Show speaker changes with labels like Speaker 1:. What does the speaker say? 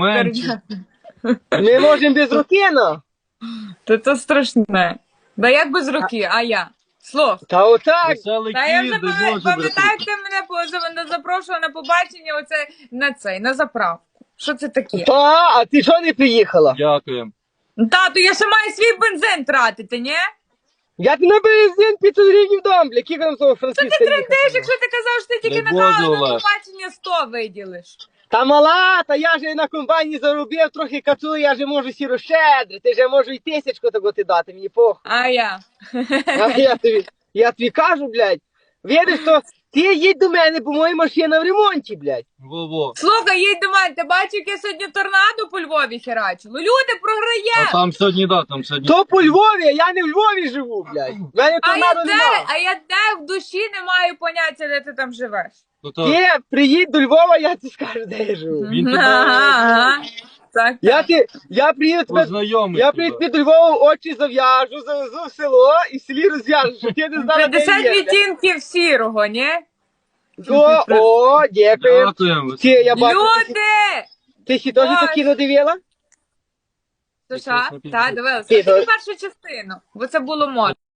Speaker 1: менше.
Speaker 2: Ми можемо без руки, ну.
Speaker 3: То страшне. Да як без руки, а я? Слов.
Speaker 2: Та отак.
Speaker 1: Веселий
Speaker 3: Та я вже
Speaker 1: кіт, де може
Speaker 3: пам'ятаю, ти мене запрошував на побачення на заправку. Що це таке?
Speaker 2: Та, а ти що не приїхала?
Speaker 1: Дякуємо.
Speaker 3: Тату, я ще маю свій бензин тратити, ні?
Speaker 2: Я ти на бензин 500 гривень дам, бля, кілька нам того Франківська
Speaker 3: Ти
Speaker 2: їхати.
Speaker 3: трендиш, якщо ти казав, що ти тільки
Speaker 1: Дай
Speaker 3: на
Speaker 1: Боже,
Speaker 3: каву на
Speaker 1: Олег.
Speaker 3: побачення 100 виділиш.
Speaker 2: Та мала, та я же на комбайні заробив, трохи кацу, я же можу сі розщедрити, же можу і тисячку того ти дати, мені похуй.
Speaker 3: А я.
Speaker 2: А я тобі кажу, блядь, видиш, то ти їдь до мене, бо моя машина в ремонті, блядь.
Speaker 1: Во-во.
Speaker 3: Слухай, їдь до мене, ти бачив, яке сьогодні торнадо по Львові херачило? Люди,
Speaker 1: А
Speaker 3: програє!
Speaker 1: там сьогодні, там сьогодні.
Speaker 2: То по Львові, а я не в Львові живу, блядь. В мене торнадо нема.
Speaker 3: А я де в душі не маю поняття, де ти там живеш.
Speaker 2: Ти приїдь до Львова, я тобі скажу, де я живу.
Speaker 1: Він тебе
Speaker 3: Ага. Так,
Speaker 2: Я приїду тебе,
Speaker 1: познайомить.
Speaker 2: я приїду тобі до Львова, очі зав'яжу, завезу в село і в селі розв'яжу, щоб ти не знала, де
Speaker 3: 50
Speaker 2: я є.
Speaker 3: відтінків сірого, ні?
Speaker 2: О, дякую.
Speaker 1: Дякуємо.
Speaker 2: Ти, я бачу,
Speaker 3: Люди!
Speaker 2: ти ще теж
Speaker 3: Ой.
Speaker 2: то кіно дивила?
Speaker 3: Слушай,
Speaker 1: Ти
Speaker 3: та, дивилася.
Speaker 2: Ти,
Speaker 3: Тільки першу частину, бо це було модно.